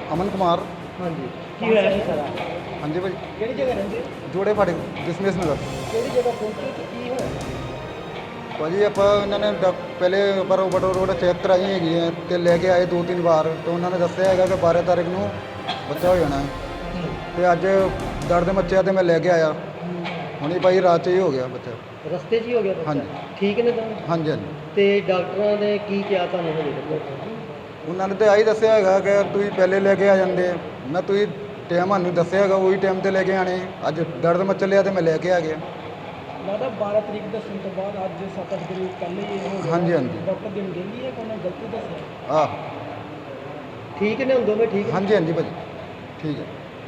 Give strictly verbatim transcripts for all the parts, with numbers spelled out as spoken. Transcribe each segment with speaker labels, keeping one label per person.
Speaker 1: ਅਮਨ ਕੁਮਾਰ।
Speaker 2: ਹਾਂਜੀ ਕੀ ਹੋਇਆ ਸੀ ਸਾਰਾ?
Speaker 1: ਹਾਂਜੀ ਭਾਈ,
Speaker 2: ਕਿਹੜੀ ਜਗ੍ਹਾ ਰਹਿੰਦੇ?
Speaker 1: ਜੋੜੇ ਫਾਟਕ ਦਸ਼ਮੇਸ਼ ਨਗਰ।
Speaker 2: ਕਿਹੜੀ ਜਗ੍ਹਾ ਪਹੁੰਚੇ ਤੇ ਕੀ ਹੋਇਆ?
Speaker 1: ਭਾਜੀ ਆਪਾਂ ਇਹਨਾਂ ਨੇ ਡਾਕ- ਪਹਿਲੇ ਬਰੋ ਬਟੋ ਰੋਡ ਚੈੱਕ ਕਰਾਈ ਹੈਗੀ ਹੈ ਤੇ ਲੈ ਕੇ ਆਏ ਦੋ ਤਿੰਨ ਵਾਰ, ਤੇ ਉਹਨਾਂ ਨੇ ਦੱਸਿਆ ਹੈਗਾ ਕਿ ਬਾਰਾਂ ਤਾਰੀਖ ਨੂੰ ਬੱਚਾ ਹੋ ਜਾਣਾ ਹੈ। ਤੇ ਅੱਜ ਦਰਦ ਮੱਚਿਆ ਤੇ ਮੈਂ ਲੈ ਕੇ ਆਇਆ, ਹੁਣੀ ਭਾਈ ਰਾਤ 'ਚ ਹੀ ਹੋ ਗਿਆ ਬੱਚਾ।
Speaker 2: ਰਸਤੇ 'ਚ ਹੀ ਹੋ ਗਿਆ ਬੱਚਾ?
Speaker 1: ਹਾਂਜੀ।
Speaker 2: ਠੀਕ ਨੇ ਤਾਂ?
Speaker 1: ਹਾਂਜੀ ਹਾਂਜੀ,
Speaker 2: ਤੇ ਡਾਕਟਰਾਂ ਨੇ ਕੀ ਕਿਹਾ ਤੁਹਾਨੂੰ ਹਜੇ ਤੱਕ?
Speaker 1: ਉਹਨਾਂ ਨੇ ਤਾਂ ਆਹੀ ਦੱਸਿਆ ਹੈਗਾ ਕਿ ਤੁਸੀਂ ਪਹਿਲੇ ਲੈ ਕੇ ਆ ਜਾਂਦੇ। ਮੈਂ ਤੁਸੀਂ ਟਾਈਮ ਸਾਨੂੰ ਦੱਸਿਆ ਹੈਗਾ, ਉਹੀ ਟਾਈਮ ਤੇ ਲੈ ਕੇ ਆਣੇ। ਅੱਜ ਦਰਦ ਮੱਚ ਲਿਆ ਤੇ ਮੈਂ ਲੈ ਕੇ ਆ ਗਿਆ।
Speaker 2: ਲੱਗਦਾ ਬਾਰਾਂ ਤਰੀਕ ਦੱਸਣ ਤੋਂ ਬਾਅਦ ਅੱਜ ਸੱਤ ਅੱਠ ਦਿਨ ਪਹਿਲੇ ਹੀ ਇਹ ਹੋ ਗਿਆ।
Speaker 1: ਹਾਂਜੀ ਹਾਂਜੀ,
Speaker 2: ਡਾਕਟਰ ਦਿਨ ਕਹਿੰਦੀ ਹੈ ਕਿ ਉਹਨੇ ਗਲਤੀ ਦੱਸਿਆ?
Speaker 1: ਆਹ
Speaker 2: ਠੀਕ ਨੇ ਹੁਣ ਦੋਵੇਂ? ਠੀਕ ਨੇ?
Speaker 1: ਹਾਂਜੀ ਹਾਂਜੀ ਭਾਜੀ, ਠੀਕ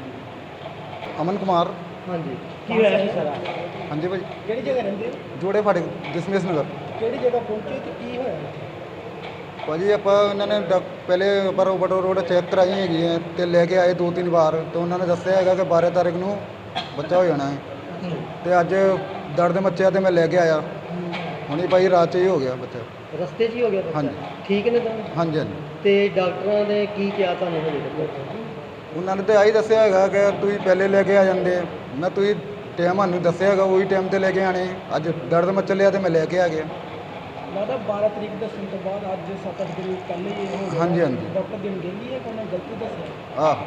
Speaker 1: ਹੈ। ਅਮਨ ਕੁਮਾਰ।
Speaker 2: ਹਾਂਜੀ ਕੀ ਹੋਇਆ ਸੀ ਸਾਰਾ?
Speaker 1: ਹਾਂਜੀ ਭਾਜੀ,
Speaker 2: ਕਿਹੜੀ ਜਗ੍ਹਾ ਰਹਿੰਦੇ?
Speaker 1: ਜੋੜੇ ਫਾਟਕ ਦਸ਼ਮੇਸ਼ ਨਗਰ।
Speaker 2: ਕਿਹੜੀ ਜਗ੍ਹਾ ਪਹੁੰਚੇ ਤੇ ਕੀ ਹੋਇਆ?
Speaker 1: ਭਾਜੀ ਆਪਾਂ ਇਹਨਾਂ ਨੇ ਡਾਕ- ਪਹਿਲੇ ਬਰੋ ਬਟੋ ਰੋਡ ਚੈੱਕ ਕਰਾਈ ਹੈਗੀ ਹੈ ਤੇ ਲੈ ਕੇ ਆਏ ਦੋ ਤਿੰਨ ਵਾਰ, ਤੇ ਉਹਨਾਂ ਨੇ ਦੱਸਿਆ ਹੈਗਾ ਕਿ ਬਾਰਾਂ ਤਾਰੀਖ ਨੂੰ ਬੱਚਾ ਹੋ ਜਾਣਾ ਹੈ। ਤੇ ਅੱਜ ਦਰਦ ਮੱਚਿਆ ਤੇ ਮੈਂ ਲੈ ਕੇ ਆਇਆ, ਹੁਣੀ ਭਾਈ ਰਾਤ 'ਚ ਹੀ ਹੋ ਗਿਆ ਬੱਚਾ।
Speaker 2: ਰਸਤੇ 'ਚ ਹੀ ਹੋ ਗਿਆ ਬੱਚਾ?
Speaker 1: ਹਾਂਜੀ।
Speaker 2: ਠੀਕ ਨੇ ਤਾਂ?
Speaker 1: ਹਾਂਜੀ ਹਾਂਜੀ,
Speaker 2: ਤੇ ਡਾਕਟਰਾਂ ਨੇ ਕੀ ਕਿਹਾ ਤੁਹਾਨੂੰ ਹਜੇ ਤੱਕ?
Speaker 1: ਉਹਨਾਂ ਨੇ ਤਾਂ ਆਹੀ ਦੱਸਿਆ ਹੈਗਾ ਕਿ ਤੁਸੀਂ ਪਹਿਲੇ ਲੈ ਕੇ ਆ ਜਾਂਦੇ। ਮੈਂ ਤੁਸੀਂ ਟਾਈਮ ਸਾਨੂੰ ਦੱਸਿਆ ਹੈਗਾ, ਉਹੀ ਟਾਈਮ ਤੇ ਲੈ ਕੇ ਆਣੇ। ਅੱਜ ਦਰਦ ਮੱਚ ਲਿਆ ਤੇ ਮੈਂ ਲੈ ਕੇ ਆ ਗਿਆ।
Speaker 2: ਲੱਗਦਾ ਬਾਰਾਂ ਤਰੀਕ ਦੱਸਣ ਤੋਂ ਬਾਅਦ ਅੱਜ ਸੱਤ ਅੱਠ ਦਿਨ ਪਹਿਲੇ ਹੀ ਇਹ ਹੋ ਗਿਆ।
Speaker 1: ਹਾਂਜੀ ਹਾਂਜੀ,
Speaker 2: ਡਾਕਟਰ ਦਿਨ ਕਹਿੰਦੀ ਹੈ ਕਿ ਉਹਨੇ ਗਲਤੀ ਦੱਸਿਆ?
Speaker 1: ਆਹ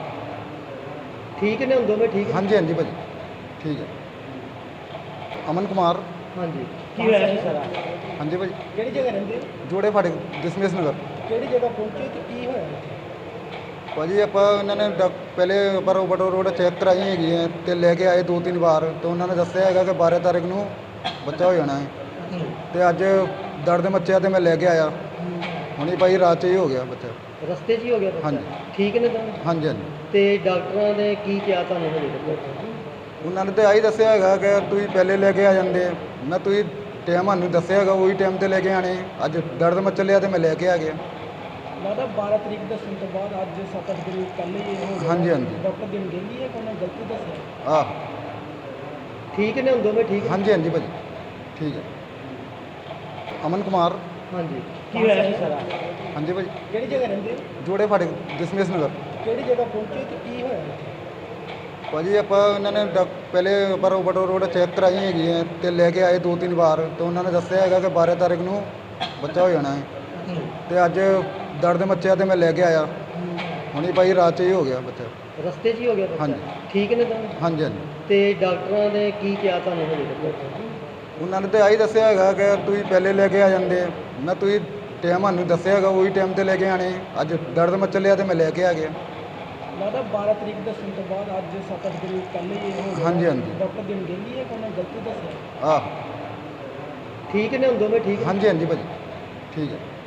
Speaker 2: ਠੀਕ ਨੇ ਹੁਣ ਦੋਵੇਂ? ਠੀਕ ਨੇ?
Speaker 1: ਹਾਂਜੀ ਹਾਂਜੀ ਭਾਜੀ, ਠੀਕ ਹੈ। ਅਮਨ ਕੁਮਾਰ।
Speaker 2: ਹਾਂਜੀ ਕੀ ਹੋਇਆ ਸੀ ਸਾਰਾ?
Speaker 1: ਹਾਂਜੀ ਭਾਜੀ,
Speaker 2: ਕਿਹੜੀ ਜਗ੍ਹਾ ਰਹਿੰਦੇ?
Speaker 1: ਜੋੜੇ ਫਾਟਕ ਦਸ਼ਮੇਸ਼ ਨਗਰ।
Speaker 2: ਕਿਹੜੀ ਜਗ੍ਹਾ ਪਹੁੰਚੇ ਤੇ ਕੀ ਹੋਇਆ?
Speaker 1: ਭਾਜੀ ਆਪਾਂ ਇਹਨਾਂ ਨੇ ਡਾਕ- ਪਹਿਲੇ ਬਰੋ ਬਟੋ ਰੋਡ ਚੈੱਕ ਕਰਾਈ ਹੈਗੀ ਹੈ ਤੇ ਲੈ ਕੇ ਆਏ ਦੋ ਤਿੰਨ ਵਾਰ, ਤੇ ਉਹਨਾਂ ਨੇ ਦੱਸਿਆ ਹੈਗਾ ਕਿ ਬਾਰਾਂ ਤਾਰੀਖ ਨੂੰ ਬੱਚਾ ਹੋ ਜਾਣਾ ਹੈ। ਤੇ ਅੱਜ ਦਰਦ ਮੱਚਿਆ ਤੇ ਮੈਂ ਲੈ ਕੇ ਆਇਆ, ਹੁਣੀ ਭਾਈ ਰਾਤ 'ਚ ਹੀ ਹੋ ਗਿਆ ਬੱਚਾ।
Speaker 2: ਰਸਤੇ 'ਚ ਹੀ ਹੋ ਗਿਆ ਬੱਚਾ?
Speaker 1: ਹਾਂਜੀ।
Speaker 2: ਠੀਕ ਨੇ ਤਾਂ?
Speaker 1: ਹਾਂਜੀ ਹਾਂਜੀ,
Speaker 2: ਤੇ ਡਾਕਟਰਾਂ ਨੇ ਕੀ ਕਿਹਾ ਤੁਹਾਨੂੰ ਹਜੇ ਤੱਕ?
Speaker 1: ਉਹਨਾਂ ਨੇ ਤਾਂ ਆਹੀ ਦੱਸਿਆ ਹੈਗਾ ਕਿ ਤੁਸੀਂ ਪਹਿਲੇ ਲੈ ਕੇ ਆ ਜਾਂਦੇ। ਮੈਂ ਤੁਸੀਂ ਟਾਈਮ ਸਾਨੂੰ ਦੱਸਿਆ ਹੈਗਾ, ਉਹੀ ਟਾਈਮ ਤੇ ਲੈ ਕੇ ਆਣੇ। ਅੱਜ ਦਰਦ ਮੱਚ ਲਿਆ ਤੇ ਮੈਂ ਲੈ ਕੇ ਆ ਗਿਆ।
Speaker 2: ਲੱਗਦਾ ਬਾਰਾਂ ਤਰੀਕ ਦੱਸਣ ਤੋਂ ਬਾਅਦ ਅੱਜ ਸੱਤ ਅੱਠ ਦਿਨ ਪਹਿਲੇ ਹੀ ਇਹ ਹੋ ਗਿਆ।
Speaker 1: ਹਾਂਜੀ ਹਾਂਜੀ,
Speaker 2: ਡਾਕਟਰ ਦਿਨ ਕਹਿੰਦੀ ਹੈ ਕਿ ਉਹਨੇ ਗਲਤੀ ਦੱਸਿਆ?
Speaker 1: ਆਹ
Speaker 2: ਠੀਕ ਨੇ ਹੁਣ ਦੋਵੇਂ? ਠੀਕ ਨੇ?
Speaker 1: ਹਾਂਜੀ ਹਾਂਜੀ ਭਾਜੀ, ਠੀਕ ਹੈ। ਅਮਨ ਕੁਮਾਰ।
Speaker 2: ਹਾਂਜੀ ਕੀ ਹੋਇਆ ਸੀ ਸਾਰਾ?
Speaker 1: ਹਾਂਜੀ ਭਾਜੀ,
Speaker 2: ਕਿਹੜੀ ਜਗ੍ਹਾ ਰਹਿੰਦੇ?
Speaker 1: ਜੋੜੇ ਫਾਟਕ ਦਸ਼ਮੇਸ਼ ਨਗਰ।
Speaker 2: ਕਿਹੜੀ ਜਗ੍ਹਾ ਪਹੁੰਚੇ ਤੇ ਕੀ ਹੋਇਆ?
Speaker 1: ਭਾਜੀ ਆਪਾਂ ਇਹਨਾਂ ਨੇ ਡਾਕ- ਪਹਿਲੇ ਬਰੋ ਬਟੋ ਰੋਡ ਚੈੱਕ ਕਰਾਈ ਹੈਗੀ ਹੈ ਤੇ ਲੈ ਕੇ ਆਏ ਦੋ ਤਿੰਨ ਵਾਰ, ਤੇ ਉਹਨਾਂ ਨੇ ਦੱਸਿਆ ਹੈਗਾ ਕਿ ਬਾਰਾਂ ਤਾਰੀਖ ਨੂੰ ਬੱਚਾ ਹੋ ਜਾਣਾ ਹੈ। ਤੇ ਅੱਜ ਦਰਦ ਮੱਚਿਆ ਤੇ ਮੈਂ ਲੈ ਕੇ ਆਇਆ, ਹੁਣੀ ਭਾਈ ਰਾਤ 'ਚ ਹੀ ਹੋ ਗਿਆ ਬੱਚਾ।
Speaker 2: ਰਸਤੇ 'ਚ ਹੀ ਹੋ ਗਿਆ ਬੱਚਾ?
Speaker 1: ਹਾਂਜੀ।
Speaker 2: ਠੀਕ ਨੇ ਤਾਂ?
Speaker 1: ਹਾਂਜੀ ਹਾਂਜੀ,
Speaker 2: ਤੇ ਡਾਕਟਰਾਂ ਨੇ ਕੀ ਕਿਹਾ ਤੁਹਾਨੂੰ ਹਜੇ ਤੱਕ?
Speaker 1: ਉਹਨਾਂ ਨੇ ਤਾਂ ਆਹੀ ਦੱਸਿਆ ਹੈਗਾ ਕਿ ਤੁਸੀਂ ਪਹਿਲੇ ਲੈ ਕੇ ਆ ਜਾਂਦੇ। ਮੈਂ ਤੁਸੀਂ ਟਾਈਮ ਸਾਨੂੰ ਦੱਸਿਆ ਹੈਗਾ, ਉਹੀ ਟਾਈਮ ਤੇ ਲੈ ਕੇ ਆਣੇ। ਅੱਜ ਦਰਦ ਮੱਚ ਲਿਆ ਤੇ ਮੈਂ ਲੈ ਕੇ ਆ ਗਿਆ।
Speaker 2: ਲੱਗਦਾ ਬਾਰਾਂ ਤਰੀਕ ਦੱਸਣ ਤੋਂ ਬਾਅਦ ਅੱਜ ਸੱਤ ਅੱਠ ਦਿਨ ਪਹਿਲੇ ਹੀ ਇਹ ਹੋ ਗਿਆ।
Speaker 1: ਹਾਂਜੀ ਹਾਂਜੀ,
Speaker 2: ਡਾਕਟਰ ਦਿਨ ਕਹਿੰਦੀ ਹੈ ਕਿ ਉਹਨੇ ਗਲਤੀ ਦੱਸਿਆ?
Speaker 1: ਆਹ
Speaker 2: ਠੀਕ ਨੇ ਹੁਣ ਦੋਵੇਂ? ਠੀਕ ਨੇ?
Speaker 1: ਹਾਂਜੀ ਹਾਂਜੀ ਭਾਜੀ, ਠੀਕ ਹੈ।